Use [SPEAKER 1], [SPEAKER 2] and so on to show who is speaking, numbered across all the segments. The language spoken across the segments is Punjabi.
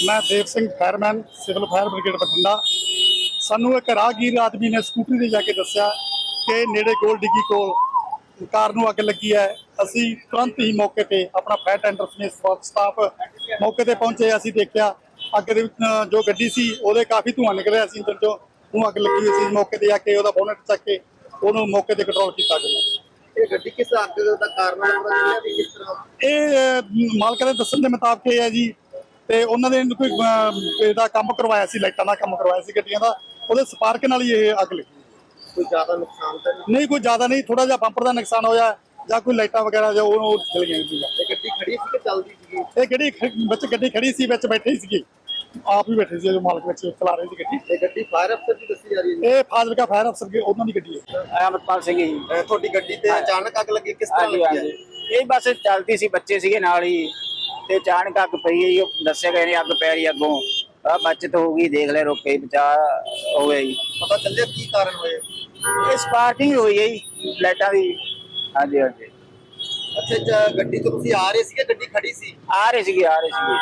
[SPEAKER 1] मैं देव Singh fireman civil fire brigade Bathinda. सानू एक राहगीर आदमी ने स्कूटरी ते जाके दस्सिया कि नेड़े गोल डिग्गी कोल कार नूं अग लगी है। असी तुरंत ही मौके ते अपना फायर टेंडर समेत स्टाफ मौके ते पहुंचे। असी देखिया अग दे विच जो गड्डी सी ओहदे काफ़ी धुआं निकलिया सी, इंजन चों ਉਹਨੂੰ ਅੱਗ ਲੱਗੀ ਹੋਈ ਸੀ। मौके ਤੇ ਆ ਕੇ ਉਹਦਾ ਬੋਨਟ ਚੱਕ ਕੇ ਉਹਨੂੰ ਮੌਕੇ ਤੇ ਕੰਟਰੋਲ ਕੀਤਾ ਗਿਆ।
[SPEAKER 2] ਇਹ ਗੱਡੀ ਕਿਸ ਅੱਗ ਦਾ ਕਾਰਨ ਹੈ ਪਤਾ ਚੱਲਿਆ ਵੀ ਕਿਸ ਤਰ੍ਹਾਂ?
[SPEAKER 1] ਇਹ ਮਾਲਕ ਦੇ ਦੱਸਣ ਦੇ ਮੁਤਾਬਕ ਇਹ ਹੈ ਜੀ, ਤੇ ਉਹਨਾਂ ਨੇ ਕੋਈ ਇਹਦਾ ਕੰਮ ਕਰਵਾਇਆ ਸੀ, ਲਾਈਟਾਂ ਦਾ ਕੰਮ ਕਰਵਾਇਆ ਸੀ ਗੱਡੀਆਂ ਦਾ, ਉਹਦੇ ਸਪਾਰਕ ਨਾਲ ਹੀ ਇਹ ਅੱਗ ਲੱਗੀ।
[SPEAKER 2] ਕੋਈ ਜ਼ਿਆਦਾ ਨੁਕਸਾਨ ਤਾਂ
[SPEAKER 1] ਨਹੀਂ, ਕੋਈ ਜ਼ਿਆਦਾ ਨਹੀਂ, ਥੋੜਾ ਜਿਹਾ ਬੰਪਰ ਦਾ ਨੁਕਸਾਨ ਹੋਇਆ ਜਾਂ ਕੋਈ ਲਾਈਟਾਂ ਵਗੈਰਾ ਜੋ ਉਹ ਜਲ ਗਈਆਂ ਸੀ।
[SPEAKER 2] ਇਹ ਗੱਡੀ ਖੜੀ ਸੀ ਕਿ ਚੱਲਦੀ ਸੀਗੀ?
[SPEAKER 1] ਇਹ ਗੱਡੀ ਖੜੀ ਸੀ, ਵਿੱਚ ਬੈਠੇ ਸੀਗੇ, ਆਪ ਹੀ ਬੈਠੇ ਸੀ, ਜੋ ਮਾਲਕ ਵਿੱਚ ਚਲਾ ਰਹੇ ਸੀ ਗੱਡੀ।
[SPEAKER 2] ਇਹ ਗੱਡੀ ਫਾਇਰ ਅਫਸਰ ਦੀ ਦੱਸੀ ਜਾ ਰਹੀ ਹੈ?
[SPEAKER 1] ਇਹ ਫਾਜ਼ਿਲਕਾ ਫਾਇਰ ਅਫਸਰ ਦੀ ਉਹਨਾਂ ਦੀ ਗੱਡੀ ਹੈ।
[SPEAKER 3] ਅਮਰਪਾਲ ਸਿੰਘ ਜੀ।
[SPEAKER 2] ਤੁਹਾਡੀ ਗੱਡੀ ਤੇ ਅਚਾਨਕ ਅੱਗ ਲੱਗੀ, ਕਿਸ ਤਰ੍ਹਾਂ ਲੱਗੀ?
[SPEAKER 3] ਇਹ ਬਸ ਚੱਲਦੀ ਸੀ, ਬੱਚੇ ਸੀਗੇ ਨਾਲ ਹੀ, ਤੇ ਅਚਾਨਕ ਅੱਗ ਪਈ ਹੈ। ਦੱਸਿਆ ਗਏ ਨੇ ਅੱਗ ਪੈ ਰਹੀ ਅੱਗੋਂ, ਬਚਤ ਹੋ ਗਈ, ਦੇਖ ਲੈ, ਰੋਕੇ ਬਚਾ ਹੋ ਗਿਆ ਜੀ।
[SPEAKER 2] ਪਤਾ ਚੱਲਿਆ ਕੀ ਕਾਰਨ ਹੋਏ?
[SPEAKER 3] ਇਹ ਸਪਾਰਕਿੰਗ ਹੋਈ ਹੈ ਜੀ ਲਾਈਟਾਂ ਦੀ। ਹਾਂਜੀ ਹਾਂਜੀ।
[SPEAKER 2] ਅੱਛਾ, ਗੱਡੀ ਤੋਂ ਤੁਸੀਂ ਆ ਰਹੇ ਸੀਗੇ, ਗੱਡੀ ਖੜੀ ਸੀ?
[SPEAKER 3] ਆ ਰਹੇ ਸੀਗੇ।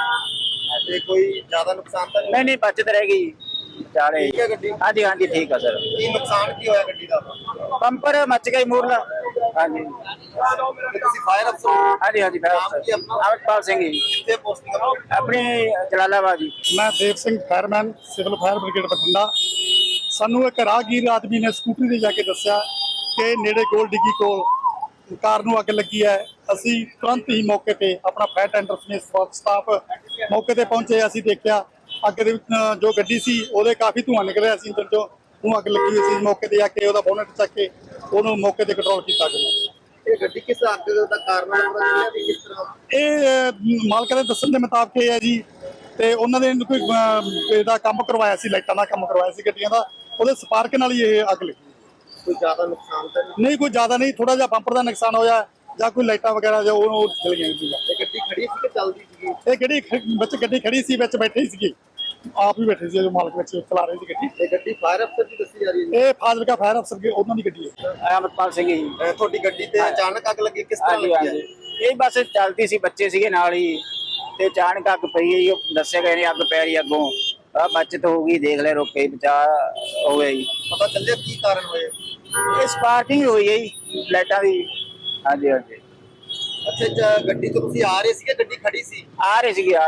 [SPEAKER 2] ਤੇ ਕੋਈ ਜ਼ਿਆਦਾ ਨੁਕਸਾਨ ਤਾਂ
[SPEAKER 3] ਨਹੀਂ, ਬਚਤ ਰਹਿ ਗਈ ਵਿਚਾਲੇ।
[SPEAKER 2] ਠੀਕ ਹੈ ਗੱਡੀ?
[SPEAKER 3] ਹਾਂਜੀ ਹਾਂਜੀ, ਠੀਕ ਆ ਸਰ।
[SPEAKER 2] ਕੀ ਨੁਕਸਾਨ ਕੀ ਹੋਇਆ ਗੱਡੀ ਦਾ?
[SPEAKER 3] ਬੰਪਰ ਮੱਚ ਗਿਆ ਮੂਰਲਾ। ਹਾਂਜੀ
[SPEAKER 2] ਤੇ ਤੁਸੀਂ ਫਾਇਰ ਅਫਸਰ ਹੋ?
[SPEAKER 3] ਹਾਂਜੀ ਹਾਂਜੀ। ਅਮਰਪਾਲ ਸਿੰਘ ਜੀ।
[SPEAKER 2] ਕਿੱਥੇ ਪੋਸਟਿੰਗ ਹੈ?
[SPEAKER 3] ਆਪਣੀ ਜਲਾਲਾਬਾਦ ਜੀ।
[SPEAKER 1] ਮੈਂ ਦੇਵ Singh fireman civil ਫਾयर brigade Bathinda. ਸਾਨੂੰ ਇੱਕ ਰਾਹਗੀਰ ਆਦਮੀ ਨੇ ਸਕੂਟਰੀ ਤੇ ਜਾ ਕੇ ਦੱਸਿਆ ਕਿ ਨੇੜੇ ਗੋਲ ਡਿੱਗੀ ਕੋਲ ਕਾਰ ਨੂੰ ਅੱਗ ਲੱਗੀ ਹੈ। ਅਸੀਂ ਤੁਰੰਤ ਹੀ ਮੌਕੇ ਤੇ ਆਪਣਾ ਫਾयर ਟੈਂਡਰ ਸਮੇਤ ਸਟਾਫ ਮੌਕੇ ਤੇ ਪਹੁੰਚੇ। ਅਸੀਂ ਦੇਖਿਆ ਅੱਗ ਦੇ ਵਿੱਚ ਜੋ ਗੱਡੀ ਸੀ ਉਹਦੇ ਕਾਫ਼ੀ ਧੂਆਂ ਨਿਕਲਿਆ ਸੀ, ਇੰਜਨ ਚੋਂ ਉਹਨੂੰ ਅੱਗ ਲੱਗੀ ਹੋਈ ਸੀ। ਮੌਕੇ ਤੇ ਆ ਕੇ ਉਹਦਾ ਬੋਨਟ ਚੱਕ ਕੇ ਉਹਨੂੰ ਮੌਕੇ ਤੇ ਕੰਟਰੋਲ ਕੀਤਾ ਗਿਆ।
[SPEAKER 2] ਇਹ ਗੱਡੀ ਕਿਸ ਅੱਗ ਦਾ ਕਾਰਨ ਹੈ ਪਤਾ ਚੱਲਿਆ ਵੀ ਕਿਸ ਤਰ੍ਹਾਂ?
[SPEAKER 1] ਇਹ ਮਾਲਕ ਦੇ ਦੱਸਣ ਦੇ ਮੁਤਾਬਕ ਇਹ ਹੈ ਜੀ, ਤੇ ਉਹਨਾਂ ਨੇ ਕੋਈ ਇਹਦਾ ਕੰਮ ਕਰਵਾਇਆ ਸੀ, ਲਾਈਟਾਂ ਦਾ ਕੰਮ ਕਰਵਾਇਆ ਸੀ ਗੱਡੀਆਂ ਦਾ, ਉਹਦੇ ਸਪਾਰਕ ਨਾਲ ਹੀ ਇਹ ਅੱਗ ਲੱਗੀ।
[SPEAKER 2] ਕੋਈ ਜ਼ਿਆਦਾ ਨੁਕਸਾਨ ਤਾਂ
[SPEAKER 1] ਨਹੀਂ, ਕੋਈ ਜ਼ਿਆਦਾ ਨਹੀਂ, ਥੋੜਾ ਜਿਹਾ ਬੰਪਰ ਦਾ ਨੁਕਸਾਨ ਹੋਇਆ ਜਾਂ ਕੋਈ ਲਾਈਟਾਂ ਵਗੈਰਾ ਜੋ ਉਹ ਜਲ ਗਈਆਂ ਸੀ।
[SPEAKER 2] ਇਹ ਗੱਡੀ ਖੜੀ ਸੀ ਕਿ ਚੱਲਦੀ ਸੀਗੀ?
[SPEAKER 1] ਇਹ ਗੱਡੀ ਖੜੀ ਸੀ, ਵਿੱਚ ਬੈਠੇ ਸੀਗੇ, ਆਪ ਹੀ ਬੈਠੇ ਸੀ, ਜੋ ਮਾਲਕ ਵਿੱਚ ਚਲਾ ਰਹੇ ਸੀ ਗੱਡੀ।
[SPEAKER 2] ਇਹ ਗੱਡੀ ਫਾਇਰ ਅਫਸਰ ਦੀ ਦੱਸੀ ਜਾ ਰਹੀ ਹੈ?
[SPEAKER 1] ਇਹ ਫਾਜ਼ਿਲਕਾ ਫਾਇਰ ਅਫਸਰ ਦੀ ਉਹਨਾਂ ਦੀ ਗੱਡੀ ਹੈ।
[SPEAKER 3] ਅਮਰਪਾਲ ਸਿੰਘ ਜੀ।
[SPEAKER 2] ਤੁਹਾਡੀ ਗੱਡੀ ਤੇ ਅਚਾਨਕ ਅੱਗ ਲੱਗੀ, ਕਿਸ ਤਰ੍ਹਾਂ ਲੱਗੀ ਹੈ?
[SPEAKER 3] ਇਹ ਬਸ ਚੱਲਦੀ ਸੀ, ਬੱਚੇ ਸੀਗੇ ਨਾਲ ਹੀ, ਤੇ ਅਚਾਨਕ ਅੱਗ ਪਈ ਹੈ। ਦੱਸਿਆ ਗਏ ਨੇ ਅੱਗ ਪੈ ਰਹੀ ਅੱਗੋਂ, ਬਚਤ ਹੋ ਗਈ, ਦੇਖ ਲੈ, ਰੋਕੇ ਬਚਾ ਹੋ ਗਿਆ ਜੀ।
[SPEAKER 2] ਪਤਾ ਚੱਲਿਆ ਕੀ ਕਾਰਨ ਹੋਏ?
[SPEAKER 3] ਇਹ ਸਪਾਰਕਿੰਗ ਹੋਈ ਹੈ ਜੀ ਲਾਈਟਾਂ ਦੀ। ਹਾਂਜੀ ਹਾਂਜੀ।
[SPEAKER 2] ਅੱਛਾ, ਗੱਡੀ ਤੋਂ ਤੁਸੀਂ ਆ ਰਹੇ ਸੀਗੇ, ਗੱਡੀ ਖੜੀ ਸੀ?
[SPEAKER 3] ਆ ਰਹੇ ਸੀਗੇ।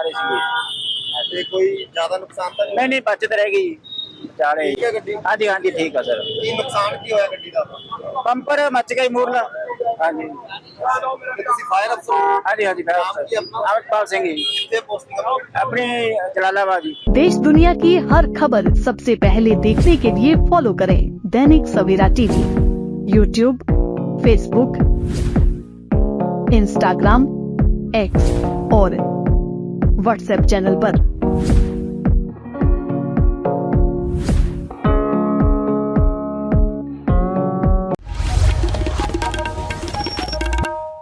[SPEAKER 2] ਤੇ ਕੋਈ ਜ਼ਿਆਦਾ ਨੁਕਸਾਨ ਤਾਂ
[SPEAKER 3] ਨਹੀਂ, ਬਚਤ ਰਹਿ ਗਈ ਵਿਚਾਲੇ।
[SPEAKER 2] ਠੀਕ ਹੈ ਗੱਡੀ?
[SPEAKER 3] ਹਾਂਜੀ ਹਾਂਜੀ, ਠੀਕ ਆ ਸਰ।
[SPEAKER 2] ਕੀ ਨੁਕਸਾਨ ਕੀ ਹੋਇਆ ਗੱਡੀ ਦਾ?
[SPEAKER 3] ਬੰਪਰ ਮੱਚ ਗਿਆ ਮੂਰਲਾ। ਹਾਂਜੀ
[SPEAKER 2] ਤੇ ਤੁਸੀਂ ਫਾਇਰ ਅਫਸਰ ਹੋ?
[SPEAKER 3] ਹਾਂਜੀ ਹਾਂਜੀ। ਅਮਰਪਾਲ ਸਿੰਘ ਜੀ।
[SPEAKER 2] ਕਿੱਥੇ ਪੋਸਟਿੰਗ ਹੈ?
[SPEAKER 3] अपने जलालाबाद जी।
[SPEAKER 4] देश दुनिया की हर खबर सबसे पहले देखने के लिए फॉलो करें दैनिक सवेरा TV, YouTube, Facebook, Instagram, x और व्हाट्सएप चैनल पर।